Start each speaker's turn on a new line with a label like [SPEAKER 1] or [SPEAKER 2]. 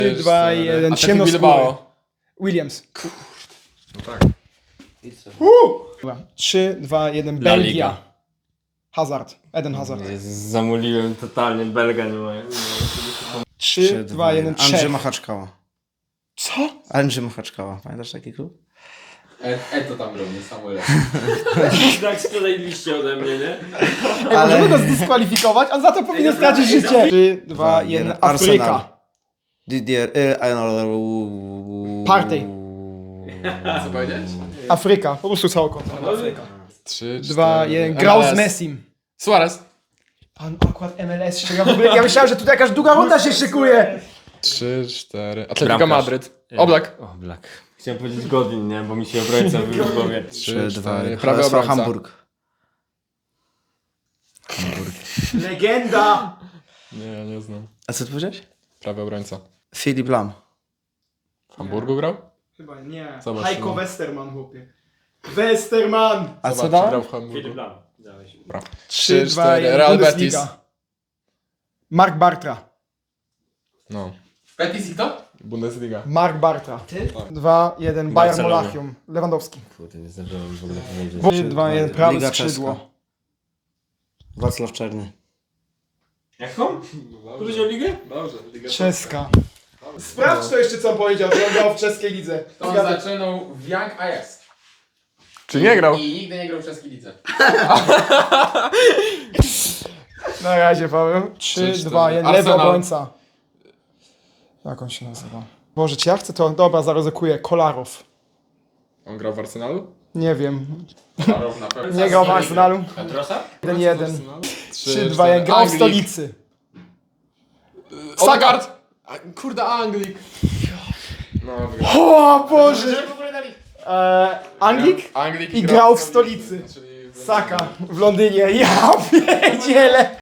[SPEAKER 1] 3, 2, 1,
[SPEAKER 2] Atletico
[SPEAKER 1] ciemnoskóry.
[SPEAKER 2] Bilbao.
[SPEAKER 1] Williams.
[SPEAKER 2] No tak.
[SPEAKER 1] Dobra. 3, 2, 1,
[SPEAKER 3] La
[SPEAKER 1] Belgia.
[SPEAKER 3] Liga.
[SPEAKER 1] Hazard. Eden Hazard.
[SPEAKER 3] Zamuliłem totalnie, Belga nie ma.
[SPEAKER 1] 3, 2, 1,
[SPEAKER 4] Andrzej
[SPEAKER 1] Czech.
[SPEAKER 4] Machaczkała.
[SPEAKER 1] Co?
[SPEAKER 4] Andrzej Machaczkała. Pamiętasz taki klub?
[SPEAKER 2] To tam robi, Samuel.
[SPEAKER 3] Tak sprzedaliście ode mnie, nie?
[SPEAKER 1] Ej, możemy go zdyskwalifikować, a za to powinien stracić życie. 3, 2, 1, Afryka.
[SPEAKER 4] Didier...
[SPEAKER 1] Partey.
[SPEAKER 2] Co powiedziałeś?
[SPEAKER 1] Afryka. Po prostu całą kontynent Afryka.
[SPEAKER 2] 3,
[SPEAKER 1] 2, 1, grał z Messim.
[SPEAKER 2] Suarez.
[SPEAKER 1] Pan akurat MLS się ja w ogóle, ja myślałem, że tutaj jakaś długa runda się szykuje.
[SPEAKER 2] 3, 4. Atletico
[SPEAKER 3] Bramkarz.
[SPEAKER 2] Madryt. Oblak.
[SPEAKER 3] O, Black. Chciałem powiedzieć Godwin, nie? Bo mi się obrońca wybił w głowie.
[SPEAKER 2] 3,
[SPEAKER 4] 2,
[SPEAKER 2] 4. Prawy
[SPEAKER 4] Prawy
[SPEAKER 2] obrońca.
[SPEAKER 4] Hamburg.
[SPEAKER 1] Legenda.
[SPEAKER 2] Nie, nie znam.
[SPEAKER 4] A co ty powiedziałeś?
[SPEAKER 2] Prawy obrońca.
[SPEAKER 4] Filip Lam.
[SPEAKER 2] W Hamburgu grał?
[SPEAKER 1] Chyba nie.
[SPEAKER 2] Zobacz,
[SPEAKER 1] Heiko
[SPEAKER 2] no.
[SPEAKER 1] Westerman, chłopie. Westerman.
[SPEAKER 4] A
[SPEAKER 2] Zobacz,
[SPEAKER 4] co
[SPEAKER 2] czy
[SPEAKER 4] dałem?
[SPEAKER 2] grał w Hamburgu.
[SPEAKER 3] Filip Lam. Dałeś.
[SPEAKER 1] 3, 2, 1,
[SPEAKER 2] Real
[SPEAKER 1] Bundesliga.
[SPEAKER 2] Betis.
[SPEAKER 1] Mark Bartra.
[SPEAKER 2] No.
[SPEAKER 5] Betis i kto?
[SPEAKER 2] Bundesliga.
[SPEAKER 1] Mark Bartra. 2, 1, Bayern
[SPEAKER 3] Barcelona.
[SPEAKER 1] Monachium. Lewandowski.
[SPEAKER 3] Kurde, nie zdążyłem w ogóle powiedzieć.
[SPEAKER 1] 3, 2, 1, prawe
[SPEAKER 4] Liga
[SPEAKER 1] skrzydło.
[SPEAKER 4] Czeska. Wacław Czerny.
[SPEAKER 3] Jaką? Powiedział ligę?
[SPEAKER 2] Dobrze, Liga
[SPEAKER 1] Czeska. Sprawdź to jeszcze, co on powiedział, że on grał w czeskiej lidze.
[SPEAKER 5] On zaczynał w Young Ajax.
[SPEAKER 2] Czy nie grał?
[SPEAKER 5] I nigdy nie grał w czeskiej lidze.
[SPEAKER 1] Na razie, Paweł. 3,
[SPEAKER 2] 3,
[SPEAKER 1] 2, 1,
[SPEAKER 2] Arsenal.
[SPEAKER 1] lewy obrońca. Jak on się nazywa? Boże, czy ja chcę to... Dobra, zaryzykuję. Kolarow.
[SPEAKER 2] On grał w Arsenalu?
[SPEAKER 1] Nie wiem.
[SPEAKER 5] Karol na pewno.
[SPEAKER 1] Nie grał w Arsenalu.
[SPEAKER 5] Petrosa?
[SPEAKER 1] 1-1. 3, 2, 1, grał w
[SPEAKER 2] Anglik.
[SPEAKER 1] stolicy.
[SPEAKER 2] Odegaard! Kurde, Anglik. No, wygrał.
[SPEAKER 1] O Boże! Anglik?
[SPEAKER 2] Anglik
[SPEAKER 1] I grał w stolicy.
[SPEAKER 2] Czyli w
[SPEAKER 1] Saka w Londynie. Ja pierdzielę.